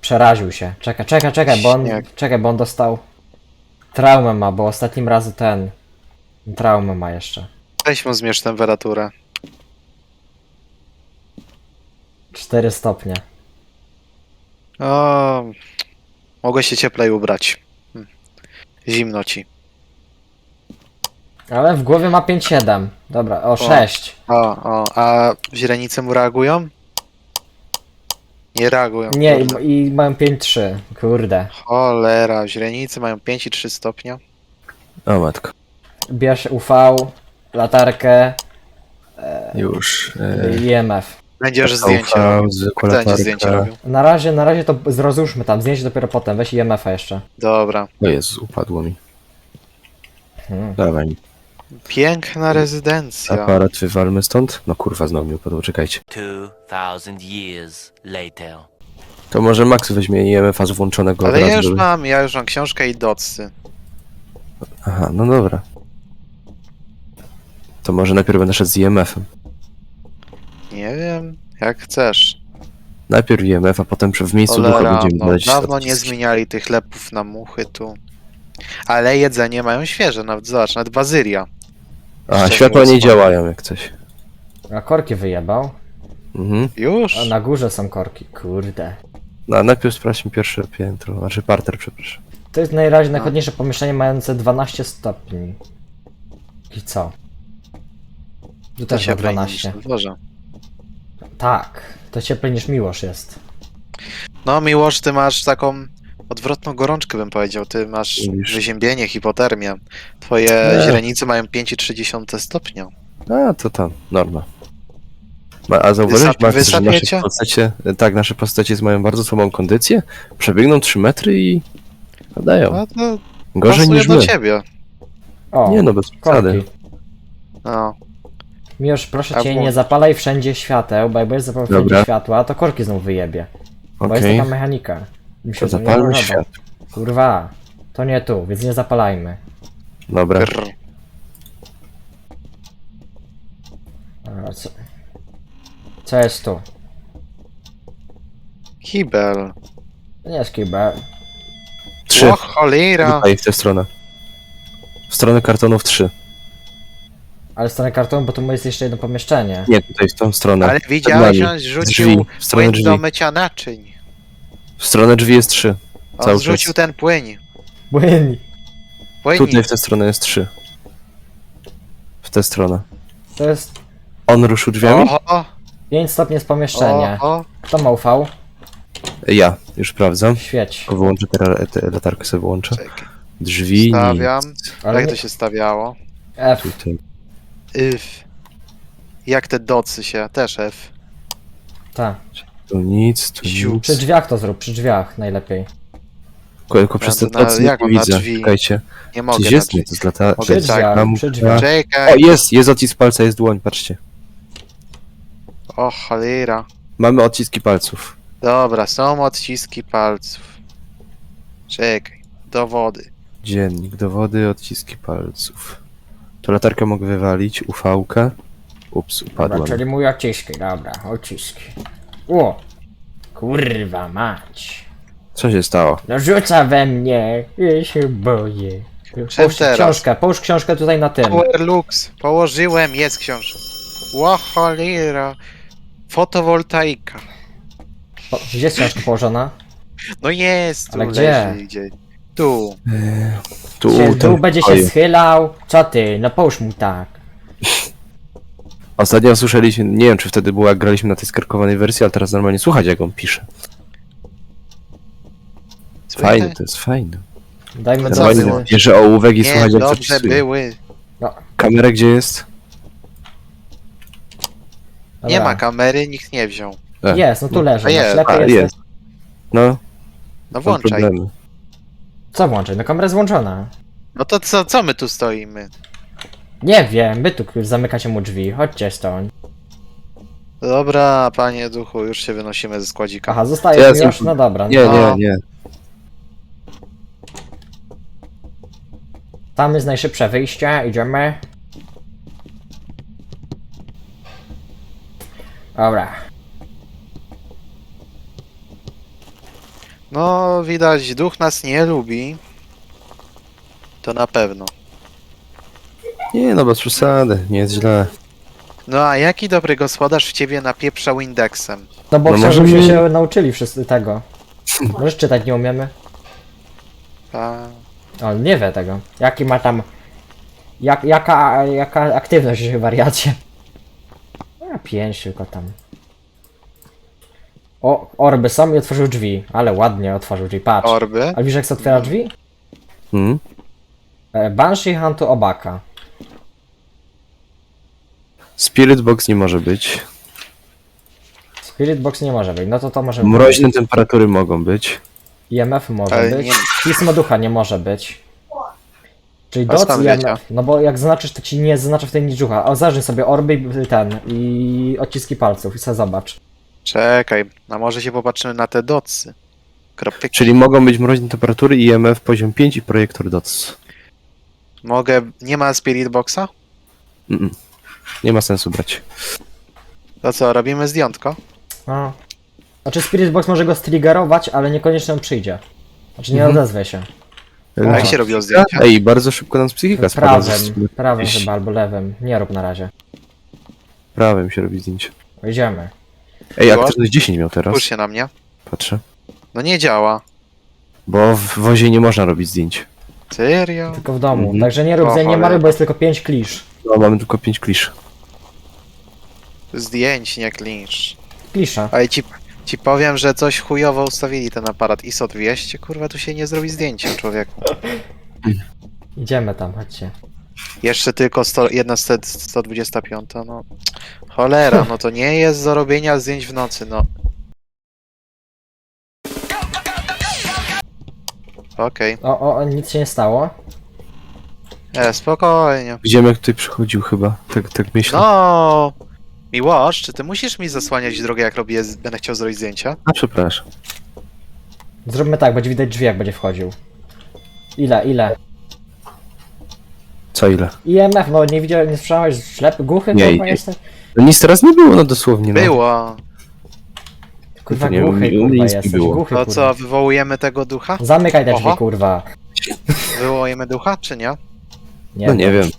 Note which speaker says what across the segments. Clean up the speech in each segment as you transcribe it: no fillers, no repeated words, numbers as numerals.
Speaker 1: Przeraził się. Czekaj, bo on...
Speaker 2: Śnieg.
Speaker 1: Czekaj, bo on dostał... Traumę ma, bo ostatnim razem ten... Traumę ma jeszcze.
Speaker 2: Weź mu zmierz temperaturę.
Speaker 1: 4 stopnie.
Speaker 2: O, mogę się cieplej ubrać. Zimno ci.
Speaker 1: Ale w głowie ma 5-7. Dobra, o 6.
Speaker 2: A źrenice mu reagują? Nie reagują.
Speaker 1: Nie,
Speaker 2: kurde.
Speaker 1: i mają 5-3. Kurde.
Speaker 2: Cholera, źrenice mają 5,3 stopnia.
Speaker 3: O matko.
Speaker 1: Bierz UV, latarkę
Speaker 3: Już.
Speaker 1: i EMF.
Speaker 2: Będziesz zdjęcia robił.
Speaker 3: Zwykła
Speaker 2: Będzie zdjęcia
Speaker 3: latarka.
Speaker 2: robił.
Speaker 1: Na razie to rozłóżmy tam, zdjęcie dopiero potem. Weź EMF-a jeszcze.
Speaker 2: Dobra.
Speaker 3: O Jezu, upadło mi.
Speaker 1: Hmm.
Speaker 3: Dawaj mi.
Speaker 2: Piękna rezydencja.
Speaker 3: Aparat wywalmy stąd? No kurwa, znowu mi upadło, czekajcie.
Speaker 4: 2000 years later.
Speaker 3: To może Max weźmie IMF-a z włączonego
Speaker 2: Ale
Speaker 3: od
Speaker 2: ja
Speaker 3: razu,
Speaker 2: już
Speaker 3: żeby-
Speaker 2: mam, książkę i docy.
Speaker 3: Aha, no dobra. To może najpierw będę szedł z IMF-em.
Speaker 2: Nie wiem, jak chcesz.
Speaker 3: Najpierw IMF, a potem w miejscu ducha
Speaker 2: Cholera,
Speaker 3: będziemy
Speaker 2: no,
Speaker 3: badać
Speaker 2: dawno nie
Speaker 3: statystyki.
Speaker 2: zmieniali tych lepów na muchy tu. Ale jedzenie mają świeże, nawet zobacz, nawet bazylia.
Speaker 3: A,
Speaker 2: Szczerze
Speaker 3: światła nie
Speaker 2: mówiąc,
Speaker 3: działają jak coś.
Speaker 1: A korki wyjebał.
Speaker 3: Mhm.
Speaker 2: Już?
Speaker 1: A na górze są korki. Kurde.
Speaker 3: No, a najpierw sprawdźmy pierwsze piętro, znaczy parter, przepraszam.
Speaker 1: To jest najrazie najchłodniejsze pomieszczenie mające 12 stopni. I co? Tu
Speaker 2: To
Speaker 1: też ma
Speaker 2: się broni niż
Speaker 1: 12.
Speaker 2: na dworze.
Speaker 1: Tak. To cieplej niż Miłosz jest.
Speaker 2: No Miłosz, ty masz taką odwrotną gorączkę, bym powiedział. Ty masz
Speaker 3: Mówisz.
Speaker 2: wyziębienie, hipotermię. Twoje
Speaker 3: Nie.
Speaker 2: źrenice mają 5,3 stopnia.
Speaker 3: A, to tam, norma. A zauważyłeś, Max, że nasze
Speaker 2: wysapiecie?
Speaker 3: postacie, tak, nasze postacie mają bardzo słabą kondycję, przebiegną 3 metry i padają.
Speaker 2: No to
Speaker 3: Gorzej
Speaker 2: pasuje
Speaker 3: niż
Speaker 2: do
Speaker 3: my.
Speaker 2: ciebie.
Speaker 1: O,
Speaker 3: Nie no, bez przesady.
Speaker 1: korki.
Speaker 2: No.
Speaker 1: Miłosz, proszę
Speaker 2: A
Speaker 1: cię,
Speaker 2: bo-
Speaker 1: nie zapalaj wszędzie świateł, bo jak będziesz zapalał wszędzie
Speaker 3: Dobra.
Speaker 1: światła, to korki znów wyjebie. Bo jest
Speaker 3: Okej,
Speaker 1: taka mechanika. Mi się
Speaker 3: to
Speaker 1: nie
Speaker 3: zapalmy
Speaker 1: podoba.
Speaker 3: świat.
Speaker 1: Kurwa. To nie tu, więc nie zapalajmy.
Speaker 3: Dobra.
Speaker 2: Grr.
Speaker 1: A, co jest tu?
Speaker 2: Kibel.
Speaker 1: To nie jest kibel.
Speaker 3: 3.
Speaker 2: O cholera.
Speaker 3: Tutaj w tę stronę. W stronę kartonów 3.
Speaker 1: Ale w stronę kartonu, bo tu jest jeszcze jedno pomieszczenie.
Speaker 3: Nie, tutaj w tą stronę.
Speaker 2: Ale
Speaker 3: Przed
Speaker 2: widziałeś,
Speaker 3: nami.
Speaker 2: on
Speaker 3: Drzwi,
Speaker 2: rzucił
Speaker 3: w stronę
Speaker 2: płyn do
Speaker 3: drzwi.
Speaker 2: mycia naczyń.
Speaker 3: W stronę drzwi jest 3.
Speaker 2: On
Speaker 3: Cały
Speaker 2: zrzucił
Speaker 3: czas.
Speaker 2: ten płyn.
Speaker 1: Płyn.
Speaker 2: Płyn.
Speaker 3: Tutaj w tę stronę jest 3. W tę stronę.
Speaker 1: To jest
Speaker 3: On ruszył drzwiami?
Speaker 2: Oho,
Speaker 1: 5 stopni jest pomieszczenie.
Speaker 2: oho.
Speaker 1: Kto ma UV?
Speaker 3: Ja, już sprawdzam.
Speaker 1: Świeć.
Speaker 3: Tylko wyłączę tę latarkę, sobie wyłączę.
Speaker 2: Czekaj.
Speaker 3: Drzwi.
Speaker 2: Stawiam.
Speaker 1: Ale
Speaker 2: Jak
Speaker 1: nie...
Speaker 2: to się stawiało?
Speaker 1: F.
Speaker 3: Tutaj.
Speaker 2: If. Jak te docy się? Też F.
Speaker 1: Tak.
Speaker 3: Tu nic, tu
Speaker 2: Ziu.
Speaker 3: nic.
Speaker 1: Przy drzwiach to zrób, przy drzwiach najlepiej.
Speaker 3: Tylko przez te
Speaker 2: Na-
Speaker 3: tacy
Speaker 2: jak
Speaker 3: nie
Speaker 2: mam na
Speaker 3: widzę.
Speaker 2: drzwi?
Speaker 3: Czekajcie.
Speaker 2: Nie mogę.
Speaker 3: Gdzieś
Speaker 2: na
Speaker 3: jest? Nie,
Speaker 2: drzwi.
Speaker 3: to jest lata...
Speaker 2: Mogę
Speaker 1: Przy
Speaker 2: tak.
Speaker 1: drzwiach,
Speaker 3: mam-
Speaker 1: przy drzwiach.
Speaker 2: Czekaj.
Speaker 3: O, jest odcisk palca, jest dłoń, patrzcie.
Speaker 2: O cholera.
Speaker 3: Mamy odciski palców.
Speaker 2: Dobra, są odciski palców. Czekaj. Dowody.
Speaker 3: Dziennik, dowody, odciski palców. To latarkę mogę wywalić, ufałkę. Ups,
Speaker 1: Dobra,
Speaker 3: upadła.
Speaker 1: czyli mój odciski, dobra, odciski. O! Kurwa mać.
Speaker 3: Co się stało?
Speaker 1: No rzuca we mnie, ja się boję. Połóż
Speaker 2: teraz?
Speaker 1: książkę, połóż książkę tutaj na tym.
Speaker 2: Power Lux. Położyłem, jest książka. Ło cholera. Fotowoltaika.
Speaker 1: Gdzie jest książka położona?
Speaker 2: No jest, tu
Speaker 1: Ale gdzie?
Speaker 2: leży gdzie. Tu.
Speaker 3: Tu,
Speaker 1: Się,
Speaker 3: ten
Speaker 1: dół będzie się
Speaker 3: pokoju.
Speaker 1: schylał. Co ty? No połóż mu tak.
Speaker 3: Ostatnio słyszeliśmy, nie wiem czy wtedy było jak graliśmy na tej skarkowanej wersji, ale teraz normalnie słuchać jak on pisze. Fajne, to jest fajne.
Speaker 1: Dajmy
Speaker 2: No
Speaker 1: do
Speaker 2: co
Speaker 3: Normalnie
Speaker 2: było?
Speaker 3: bierze ołówek i
Speaker 2: Nie,
Speaker 3: słuchać jak
Speaker 2: dobrze
Speaker 3: zapisuje.
Speaker 2: były.
Speaker 3: Kamera gdzie jest?
Speaker 2: Nie ma kamery, nikt nie wziął.
Speaker 1: Jest, no tu leży.
Speaker 2: A
Speaker 1: No,
Speaker 2: jest,
Speaker 1: ślepy
Speaker 3: a,
Speaker 1: jesteś.
Speaker 3: jest. No,
Speaker 2: No
Speaker 3: mam
Speaker 2: włączaj.
Speaker 3: problemy.
Speaker 1: Co włączaj? No kamera jest włączona.
Speaker 2: No to co my tu stoimy?
Speaker 1: Nie wiem, wy tu zamykacie mu drzwi. Chodźcie stąd.
Speaker 2: Dobra, panie duchu, już się wynosimy ze składzika.
Speaker 1: Aha, zostaje
Speaker 3: Jest,
Speaker 1: już? No dobra.
Speaker 3: Nie,
Speaker 2: No.
Speaker 3: nie, nie.
Speaker 1: Tam jest najszybsze wyjście, idziemy. Dobra.
Speaker 2: No, widać, duch nas nie lubi. To na pewno.
Speaker 3: Nie no, bez przesady, nie jest źle.
Speaker 2: No a jaki dobry gospodarz w ciebie napieprzał indeksem?
Speaker 1: No bo
Speaker 3: No
Speaker 1: chciał,
Speaker 3: może
Speaker 1: żebyśmy
Speaker 3: mi-
Speaker 1: się nauczyli wszyscy tego. Możesz czytać, nie umiemy?
Speaker 2: A,
Speaker 1: On nie wie tego. Jaki ma tam... Jaka aktywność w wariacie? A 5 tylko tam. O, orby są i otworzył drzwi. Ale ładnie otworzył drzwi, patrz.
Speaker 2: orby.
Speaker 1: A widzisz jak się otwiera drzwi?
Speaker 3: Hmm?
Speaker 1: Banshee Huntu Obaka.
Speaker 3: Spirit Box nie może być.
Speaker 1: Spirit Box nie może być, no to może być.
Speaker 3: Mroźne temperatury mogą być.
Speaker 1: IMF może
Speaker 2: Ale
Speaker 1: być.
Speaker 2: nie-
Speaker 1: Pismo ducha nie może być. Czyli
Speaker 2: A
Speaker 1: doc
Speaker 2: skąd
Speaker 1: IMF.
Speaker 2: wiecie?
Speaker 1: No bo jak zaznaczysz, to ci nie zaznacza w tej nic ducha. O, zajrzyj sobie orby i i odciski palców i sobie zobacz.
Speaker 2: Czekaj, a może się popatrzymy na te docy. Kropki.
Speaker 3: Czyli mogą być mroźne temperatury, IMF poziom 5 i projektor DOTS.
Speaker 2: Mogę... Nie ma Spirit Boxa?
Speaker 3: Mm-mm. Nie ma sensu brać.
Speaker 2: To co, robimy zdjątko?
Speaker 1: A. Znaczy Spirit Box może go striggerować, ale niekoniecznie on przyjdzie. Znaczy nie
Speaker 3: Mhm.
Speaker 1: odezwie się.
Speaker 2: A jak się robiło zdjęcia?
Speaker 3: Ej, bardzo szybko nam psychika spada.
Speaker 1: Prawym
Speaker 3: Gdzieś
Speaker 1: chyba albo lewym. Nie rób na razie.
Speaker 3: Prawym się robi zdjęcie.
Speaker 1: Idziemy.
Speaker 3: Ej,
Speaker 2: Było?
Speaker 3: aktywność 10 miał teraz.
Speaker 2: Spójrz się na mnie.
Speaker 3: Patrzę.
Speaker 2: No nie działa.
Speaker 3: Bo w wozie nie można robić zdjęć.
Speaker 2: Serio?
Speaker 1: Tylko w domu.
Speaker 3: Mhm.
Speaker 1: Także nie rób
Speaker 2: O,
Speaker 1: nie
Speaker 2: cholera.
Speaker 1: mary, bo jest tylko 5 klisz.
Speaker 3: No, mamy tylko 5 klisz.
Speaker 2: Zdjęć, nie klincz.
Speaker 1: Klisza.
Speaker 2: Ale ci powiem, że coś chujowo ustawili ten aparat ISO 200. Kurwa, tu się nie zrobi zdjęcia, człowieku.
Speaker 1: Idziemy tam, chodźcie.
Speaker 2: Jeszcze tylko 125, no. Cholera, no to nie jest do robienia zdjęć w nocy, no. Okej,
Speaker 1: O, nic się nie stało.
Speaker 2: spokojnie.
Speaker 3: Widziałem jak tutaj przychodził chyba. Tak myślę.
Speaker 2: No, Miłosz, czy ty musisz mi zasłaniać drogę, jak będę chciał zrobić zdjęcia?
Speaker 3: A przepraszam.
Speaker 1: Zróbmy tak, będzie widać drzwi jak będzie wchodził. Ile?
Speaker 3: Co ile?
Speaker 1: IMF, no nie widziałem, nie słyszałeś? Ślepy, głuchy
Speaker 3: Nie,
Speaker 1: kurwa
Speaker 3: nie.
Speaker 1: jesteś?
Speaker 3: No nic teraz nie było, no dosłownie. No.
Speaker 2: Było.
Speaker 1: Kurwa
Speaker 3: nie,
Speaker 1: głuchy
Speaker 3: u mnie
Speaker 1: kurwa
Speaker 3: nic nie
Speaker 1: jesteś,
Speaker 3: było.
Speaker 1: głuchy
Speaker 2: To
Speaker 1: kurwa.
Speaker 2: co, wywołujemy tego ducha?
Speaker 1: Zamykaj te drzwi
Speaker 2: Oho.
Speaker 1: kurwa.
Speaker 2: Wywołujemy ducha, czy nie?
Speaker 3: No nie wiem.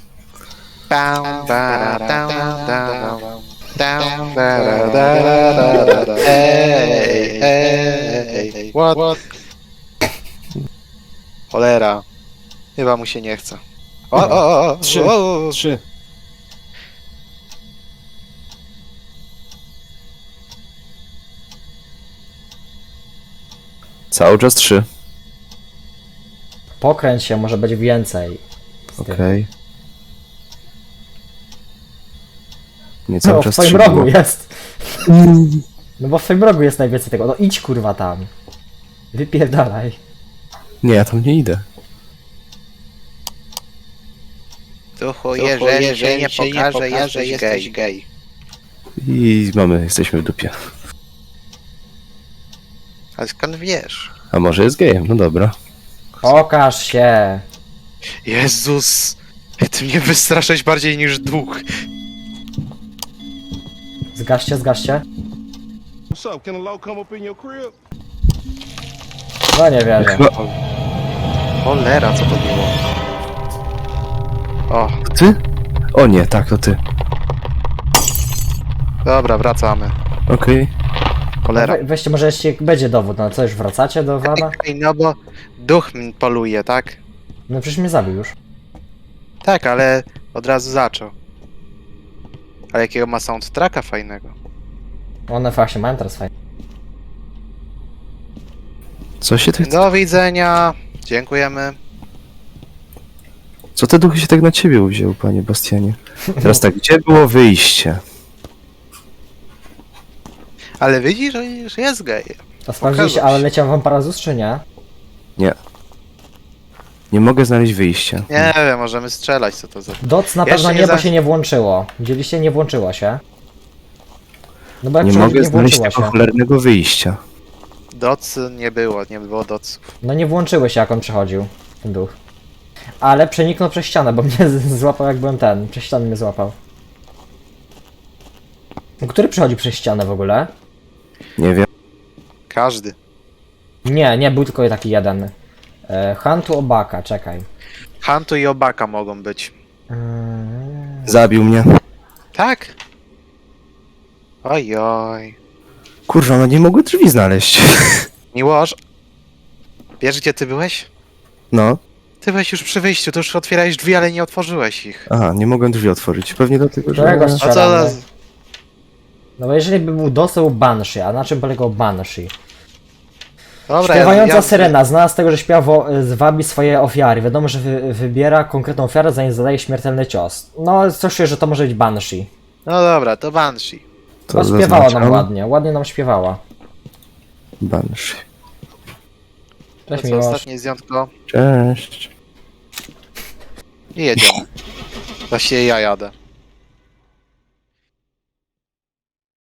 Speaker 2: Ej, what? Cholera. Chyba mu się nie chce. O.
Speaker 3: 3. Cały czas 3.
Speaker 1: Pokręć się, może być więcej. Z tym.
Speaker 3: Okej. Nie cały
Speaker 1: No, w
Speaker 3: czas
Speaker 1: twoim
Speaker 3: 3
Speaker 1: rogu
Speaker 3: było.
Speaker 1: jest. No bo w twoim rogu jest najwięcej tego. No idź kurwa tam. Wypierdalaj.
Speaker 3: Nie, ja tam nie idę.
Speaker 2: Duchu, jeżeli się nie pokaże, że jesteś gej.
Speaker 3: I jesteśmy w dupie.
Speaker 2: Ale skąd wiesz?
Speaker 3: A może jest gejem, no dobra.
Speaker 1: Pokaż się.
Speaker 2: Jezus! Ty mnie wystraszyć bardziej niż duch.
Speaker 1: Zgaście.
Speaker 5: What's up? Can a low come up in your crib?
Speaker 1: No nie wierzę.
Speaker 3: Chyba...
Speaker 2: Cholera, co to było? O,
Speaker 3: To ty? O nie, tak, to ty.
Speaker 2: dobra, wracamy.
Speaker 3: Okej.
Speaker 2: Cholera.
Speaker 1: Weźcie, może jeszcze będzie dowód, no co, już wracacie do Wada?
Speaker 2: Ej, no bo duch poluje, tak?
Speaker 1: No przecież mnie zabił już.
Speaker 2: Tak, ale od razu zaczął. Ale jakiego ma soundtracka fajnego.
Speaker 1: One właśnie mają teraz fajnie.
Speaker 3: Co się ty...
Speaker 2: Do widzenia. Dziękujemy.
Speaker 3: Co te duchy się tak na ciebie uwzięły, panie Bastianie? Teraz tak, gdzie było wyjście?
Speaker 2: Ale widzisz, że jest gej.
Speaker 1: A sprawdziliście,
Speaker 2: Pokazał
Speaker 1: ale
Speaker 2: się.
Speaker 1: leciał wam Parazus czy nie?
Speaker 3: Nie mogę znaleźć wyjścia.
Speaker 2: Nie wiem, możemy strzelać, co to za...
Speaker 1: Doc na
Speaker 2: Jeszcze
Speaker 1: pewno
Speaker 2: nie
Speaker 1: nie, bo
Speaker 2: za-
Speaker 1: się nie włączyło. Widzieliście, nie włączyło się. No bo jak
Speaker 3: Nie
Speaker 1: przychodzi,
Speaker 3: mogę
Speaker 1: nie
Speaker 3: znaleźć
Speaker 1: włączyła
Speaker 3: tego
Speaker 1: się.
Speaker 3: cholernego wyjścia.
Speaker 2: Doc nie było doców.
Speaker 1: No nie włączyły się jak on przechodził, ten duch. Ale przeniknął przez ścianę, bo mnie złapał jak byłem ten. Przez ścianę mnie złapał. Który przechodzi przez ścianę w ogóle?
Speaker 3: Nie wiem.
Speaker 2: Każdy.
Speaker 1: Nie, był tylko taki jeden. Huntu Obaka, czekaj.
Speaker 2: Huntu i Obaka mogą być.
Speaker 3: Zabił mnie.
Speaker 2: Tak? Ojoj.
Speaker 3: Kurwa, no nie mogły drzwi znaleźć.
Speaker 2: Miłosz, wiesz gdzie ty byłeś?
Speaker 3: No.
Speaker 2: Ty byłeś już przy wyjściu, to już otwierałeś drzwi, ale nie otworzyłeś ich.
Speaker 3: Aha, nie mogłem drzwi otworzyć. Pewnie dlatego, że...
Speaker 1: Którego
Speaker 2: A co
Speaker 1: strzelamy?
Speaker 2: za...
Speaker 1: No bo jeżeli by był dostał Banshee, a na czym polegał Banshee?
Speaker 2: Dobra,
Speaker 1: Śpiewająca syrena, znana z tego, że śpiewa zwabi swoje ofiary. Wiadomo, że wybiera konkretną ofiarę, zanim zadaje śmiertelny cios. No, coś czuję, że to może być Banshee.
Speaker 2: No dobra, to Banshee.
Speaker 3: To
Speaker 1: Bo śpiewała nam
Speaker 3: zaznaczam.
Speaker 1: ładnie nam śpiewała.
Speaker 3: Banshee.
Speaker 2: To
Speaker 1: Cześć
Speaker 2: co,
Speaker 1: Miłosz.
Speaker 2: ostatnie zdjątko
Speaker 3: Cześć.
Speaker 2: i jedziemy. Właściwie ja jadę.